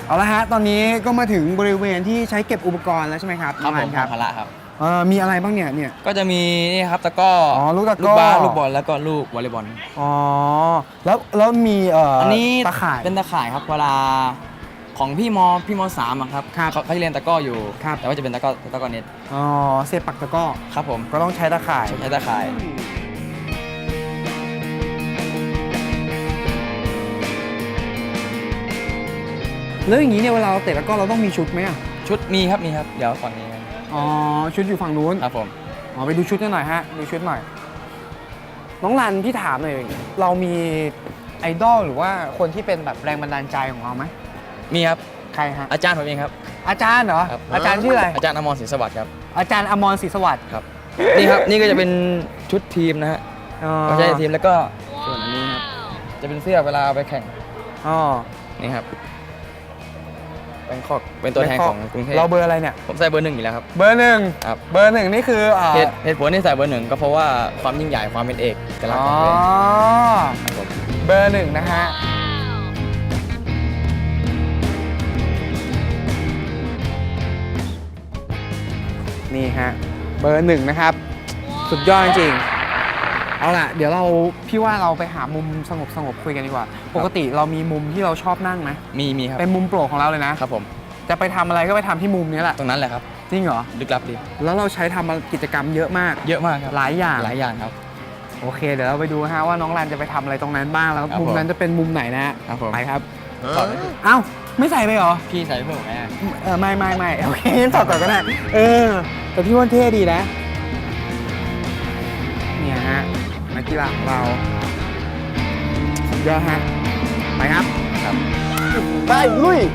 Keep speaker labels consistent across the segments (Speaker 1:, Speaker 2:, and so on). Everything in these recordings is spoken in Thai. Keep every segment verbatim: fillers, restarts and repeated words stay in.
Speaker 1: เอาละฮะตอนนี้ก็มาถึงบริเวณที่ใช้เก็บอุปกรณ์แล้วใช่ไหมครับ
Speaker 2: ครับผม
Speaker 1: ครับ
Speaker 2: ภาระครับ
Speaker 1: เออมีอะไรบ้างเนี่ยเนี่ย
Speaker 2: ก็จะมีนี่ครับตะก้อ
Speaker 1: อ๋อลูกตะกร้อ
Speaker 2: ลูกบาสลูกบอลแล้วก็ลูกวอลเลย์บอล
Speaker 1: อ๋อแล้วแล้วมีเอ่อ
Speaker 2: อั
Speaker 1: อั
Speaker 2: นนี้
Speaker 1: ตะข่าย
Speaker 2: เป็นตะข่ายครับเวลาของพี่มพี่มสามอะครับ
Speaker 1: ครับ
Speaker 2: เขาเขาจะเรียนตะก้ออยู่
Speaker 1: ครับ
Speaker 2: แต่ว่าจะเป็นตะก้อตะก้อเน็ต
Speaker 1: อ๋อเสียบปักตะกร้อ
Speaker 2: ครับผม
Speaker 1: ก็ต้องใช้ตะข่าย
Speaker 2: ใช้ตะข่าย
Speaker 1: แล้วอย่างนี้เนี่ยเวลาเราเตะตะกร้อเราต้องมีชุดไหมอ่ะ
Speaker 2: ชุดมีครับมีครับเดี๋ยวฝั่งนี้ครับ
Speaker 1: อ๋อชุดอยู่ฝั่งนู้น
Speaker 2: ครับผม
Speaker 1: อ๋อไปดูชุดกันหน่อยฮะดูชุดหน่อยน้องรันพี่ถามหน่อยเรามีไอดอลหรือว่าคนที่เป็นแบบแรงบันดาลใจของเราไหม
Speaker 2: มีครับ
Speaker 1: ใครฮะ
Speaker 2: อาจารย์ผมเองครับ
Speaker 1: อาจารย์เหรอ
Speaker 2: ครับ
Speaker 1: อาจารย์ชื่ออะไร
Speaker 2: อาจารย์อมรศรีสวัสดิ์ครับ
Speaker 1: อาจารย์อมรศรีสวัสดิ์
Speaker 2: ครับนี่ครับนี่ก็จะเป็นชุดทีมนะฮะ
Speaker 1: อ๋อ
Speaker 2: ไม่ใช่ทีมแล้วก็ส่วนอันนี้ครับจะเป็นเสื้อเวลาไปแข่ง
Speaker 1: อ๋อ
Speaker 2: นี่ครับแบงคอกเป็นตัวแทนของกรุงเทพ
Speaker 1: เราเบอร์อะไรเนี่ย
Speaker 2: ผมใส่เบอร์หนึ่งอยู่แล้วครับ
Speaker 1: เบอร์หนึ่ง
Speaker 2: ครับ
Speaker 1: เบอร์หนึ่งนี่คืออ่า
Speaker 2: เหตุเหตุผลที่ใส่เบอร์หนึ่งก็เพราะว่าความยิ่งใหญ่ความเป็นเอกลักษณ์ของตัวเองครับผม
Speaker 1: เบอร์หนึ่งนะฮะนี่ฮะเบอร์หนึ่งนะครับ สุดยอดจริงๆเอาล่ะ เดี๋ยวเราพี่ว่าเราไปหามุมสงบสงบคุยกันดีกว่า ปกติเรามีมุมที่เราชอบนั่งไหม
Speaker 2: มีมีครับ
Speaker 1: เป็นมุมโปรดของเราเลยนะ
Speaker 2: ครับผม
Speaker 1: จะไปทำอะไรก็ไปทำที่มุมนี้แหละ
Speaker 2: ตรงนั้นแหละครับ
Speaker 1: จริงเหรอ
Speaker 2: ลึกลับดี
Speaker 1: แล้วเราใช้ทำกิจกรรมเยอะมาก
Speaker 2: เยอะมากครับ
Speaker 1: หลายอย่าง
Speaker 2: หลายอย่างครับ
Speaker 1: โอเค เดี๋ยวเราไปดูฮะว่าน้องรันจะไปทำอะไรตรงนั้นบ้างแล้ว
Speaker 2: ครับ
Speaker 1: มุม
Speaker 2: ผม
Speaker 1: นั้นจะเป็นมุมไหนนะฮะ
Speaker 2: ครับผม
Speaker 1: ไปครับ
Speaker 2: ถอดไหม
Speaker 1: เอ้าไม่ใส่ไปเหรอ
Speaker 2: พี่ใส่เพิ่มไหม
Speaker 1: เออไม่ไม่ไม่โอเคงั้นถอดก่อนก็ได้เออแต่พี่ว่าเท่ดีนะเนี่ยฮะนักกีฬาของเราสุดยอดฮะไปครับ
Speaker 2: ครับ
Speaker 1: ไปลุย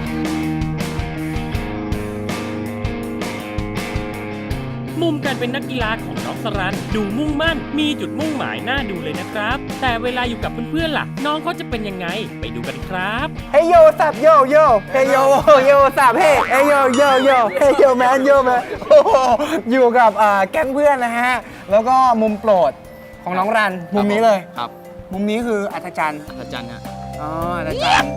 Speaker 3: มุมการเป็นนักกีฬาของน้องสรันดูมุ่งมั่น มีจุดมุ่งหมายน่าดูเลยนะครับ แต่เวลาอยู่กับเพื่อนๆล่ะ น้องเขาจะเป็นยังไงไปดูกันครับ
Speaker 1: เฮ้ยโยสับโยโยเฮ้ยโยโยสับเฮ้ยเฮ้ยโยโยโยเฮ้ยโยแมนโยแมนโอ้โหอยู่กับอ่าแก๊งเพื่อนนะฮะแล้วก็มุมโปรดของน้องรันมุมนี้เลย
Speaker 2: ครับ
Speaker 1: มุมนี้คืออัศจรรย์
Speaker 2: อาจารย์ฮะ
Speaker 1: อ๋ออัศจรรย์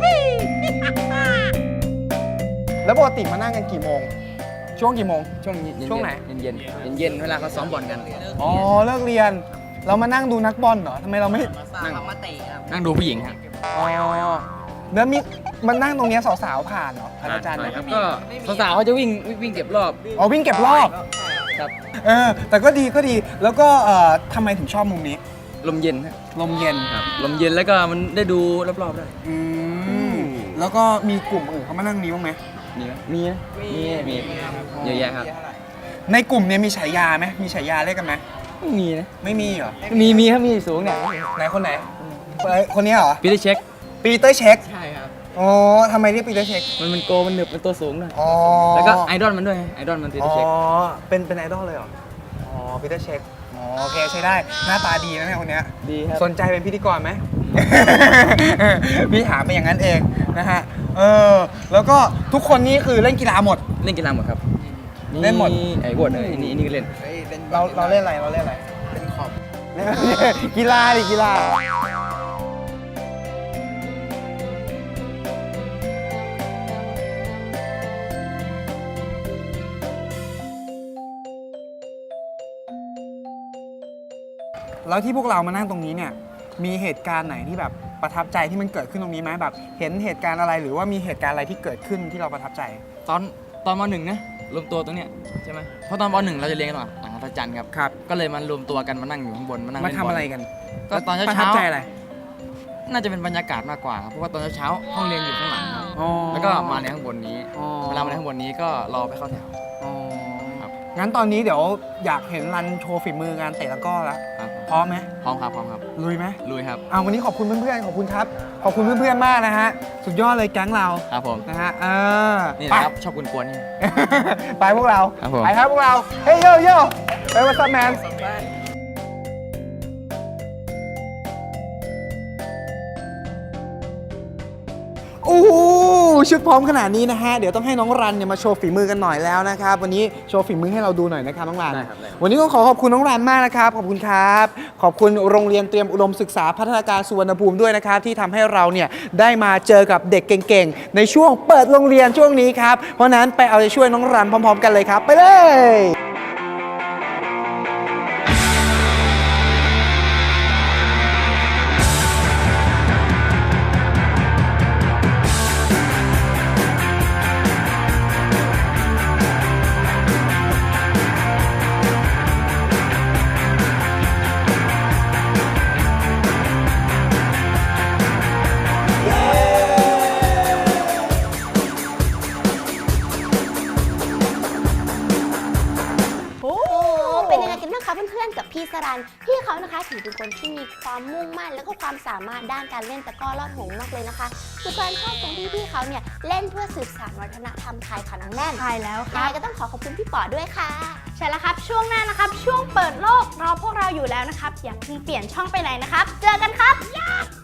Speaker 1: แล้วปกติมานั่งกันกี่โมง ช่วงกี่โมง
Speaker 2: ช่วงเย็นๆ
Speaker 1: ช่วงไหน
Speaker 2: เย็นๆเย็นๆเวลาเขาซ้อมบอลกัน
Speaker 1: อ๋อเลิกเรียน เรามานั่งดูนักบอลเหรอทำไมเราไม่
Speaker 2: นั่งนั่งดูผู้หญิงครับ
Speaker 1: อ๋อแล้วมีมันนั่งตรงเนี้ยสาวๆผ่านเหรออาจารย์
Speaker 2: ค
Speaker 1: นะ
Speaker 2: รับก็สาวๆเขาจะวิ่งวิ่งเก็บรอบ
Speaker 1: อ๋อวิ่งเก็บรอบ
Speaker 2: ครับ
Speaker 1: เออแต่ก็ดีก็ดีแล้วก็เอ่อทำไมถึงชอบมุมนี้
Speaker 2: ลมเย็นฮะ
Speaker 1: ลมเย็น
Speaker 2: ครับลมเย็นแล้วก็มันได้ดูรอบๆได้
Speaker 1: อืมแล้วก็มีกลุ่มอื่นเขามานั่งนี้บ้างไหม
Speaker 2: มีไหมมีนะมีมีเยอะแยะครับ
Speaker 1: ในกลุ่มเนี้ยมีฉายาไหมมีฉายาเรียกกันไหม
Speaker 2: ไม่มีนะ
Speaker 1: ไม่มีเหรอ
Speaker 2: มีมีครับมีสูงเนี่ย
Speaker 1: ไหนคนไหนเอ้ยคนนี้เหรอ
Speaker 2: ปีเตอร์เช็ค
Speaker 1: ปีเตอร์เช็ค
Speaker 2: ใช่ครับ
Speaker 1: อ๋อทำไมเรียกปีเตอร์เช็ค
Speaker 2: มันมันโกมันหนึบมันตัวสูงหน่อย
Speaker 1: อ๋อ
Speaker 2: แล้วก็ไอดอลมันด้วยไงไอดอลมันปีเตอ
Speaker 1: อ๋อ
Speaker 2: ร์เช็ค
Speaker 1: เป็นเป็นไอดอลเลยเหรอ อ๋อปีเตอร์เช็ค อ๋อโอเคใช้ได้ หน้าตาดีนะเนี่ยคนเนี้ย
Speaker 2: ดีครับ
Speaker 1: สนใจเป็นพิธีกรไหม พี่ถามไปอย่างนั้นเองนะฮะ เออ แล้วก็ทุกคนนี่คือเล่นกีฬาหมด
Speaker 2: เล่นกีฬาหมดครับ
Speaker 1: เล่นหมด
Speaker 2: ไอ้บวดเลยนี่นี่ก็เล่น
Speaker 1: เราเราเล่นอะไร เราเล่นอะไร เล่นขอบ กีฬาดิกีฬา แล้วที่พวกเรามานั่งตรงนี้เนี่ย มีเหตุการณ์ไหนที่แบบประทับใจที่มันเกิดขึ้นตรงนี้ไหมแบบ เห็นเหตุการณ์อะไรหรือว่ามีเหตุการณ์อะไรที่เกิดขึ้นที่เราประทับใจ
Speaker 2: ตอนตอนมหนึ่งนะรวมตัวตรงเนี้ยใช่ไหมเพราะตอนมหนึ่งเราจะเรียนกันหลังหลังอัศจรรย์ครับ
Speaker 1: ครับ
Speaker 2: ก็เลยมารวมตัวกันมานั่งอยู่ข้างบนมานั่ง
Speaker 1: มา
Speaker 2: เล่น
Speaker 1: ทำ
Speaker 2: บอล
Speaker 1: อะไรกัน
Speaker 2: ก็ตอนเช้า
Speaker 1: ประทับใจอะไร
Speaker 2: น่าจะเป็นบรรยากาศมากกว่าครับเพราะว่าตอนเช้าๆห้องเรียนอยู่ข้างหลังครับ
Speaker 1: อ๋อ
Speaker 2: แล้วก็มาในข้างบนนี้
Speaker 1: อ๋อ
Speaker 2: เวลามาในข้างบนนี้ก็รอไปเข้าแถว
Speaker 1: อ๋อ
Speaker 2: ครับ
Speaker 1: งั้นตอนนี้เดี๋ยวอยากเห็นรันโชว์ฝีมืองานเตะตะกร้อแล้ว
Speaker 2: ครับ
Speaker 1: พร้อมไหม
Speaker 2: พร้อมครับพร้อมครับ
Speaker 1: ลุยไหม
Speaker 2: ลุยครับ
Speaker 1: เอาวันนี้ขอบคุณเพื่อนๆ ขอบคุณครับ ขอบคุณเพื่อนๆ มากนะฮะ สุดยอดเลยแก๊งเรา
Speaker 2: ครับผม
Speaker 1: นะฮะ เออ
Speaker 2: นี่
Speaker 1: ไป
Speaker 2: นะครับชอบกวนๆนี่
Speaker 1: ไปพวกเรา
Speaker 2: ครับผม
Speaker 1: ไปครับพวกเรา เฮ้ยโยโย่ไปวัสแมนโอ้โหชุดพร้อมขนาดนี้นะฮะเดี๋ยวต้องให้น้องรันเนี่ยมาโชว์ฝีมือกันหน่อยแล้วนะครับวันนี้โชว์ฝีมือให้เราดูหน่อยนะครับน้องรันวันนี้ต้องขอขอบคุณน้องรันมากนะครับขอบคุณครับขอบคุณโรงเรียนเตรียมอุดมศึกษาพัฒนาการสุวรรณภูมิด้วยนะครับที่ทำให้เราเนี่ยได้มาเจอกับเด็กเก่งๆในช่วงเปิดโรงเรียนช่วงนี้ครับเพราะนั้นไปเอาใจช่วยน้องรันพร้อมๆกันเลยครับไปเลย
Speaker 4: เป็นยังไงกันบ้างคะเพื่อนๆกับพี่สรันพี่เขานะคะถือเป็นคนที่มีความมุ่งมั่นและก็ความสามารถด้านการเล่นตะกร้อลอดห่วงมากเลยนะคะคือการชอบตรงที่พี่เขาเนี่ยเล่นเพื่อสืบสานวัฒนธรรมไทยค่ะน้องแน่น
Speaker 5: ใช่แล้วค
Speaker 4: ยัง
Speaker 5: รับ
Speaker 4: ไงก็ต้องขอขอบคุณพี่ป๋อด้วยค่ะ
Speaker 5: ใช่แล้วครับช่วงหน้านะครับช่วงเปิดโลกรอพวกเราอยู่แล้วนะครับอย่าเพิ่งเปลี่ยนช่องไปไหนนะครับเจอกันครับ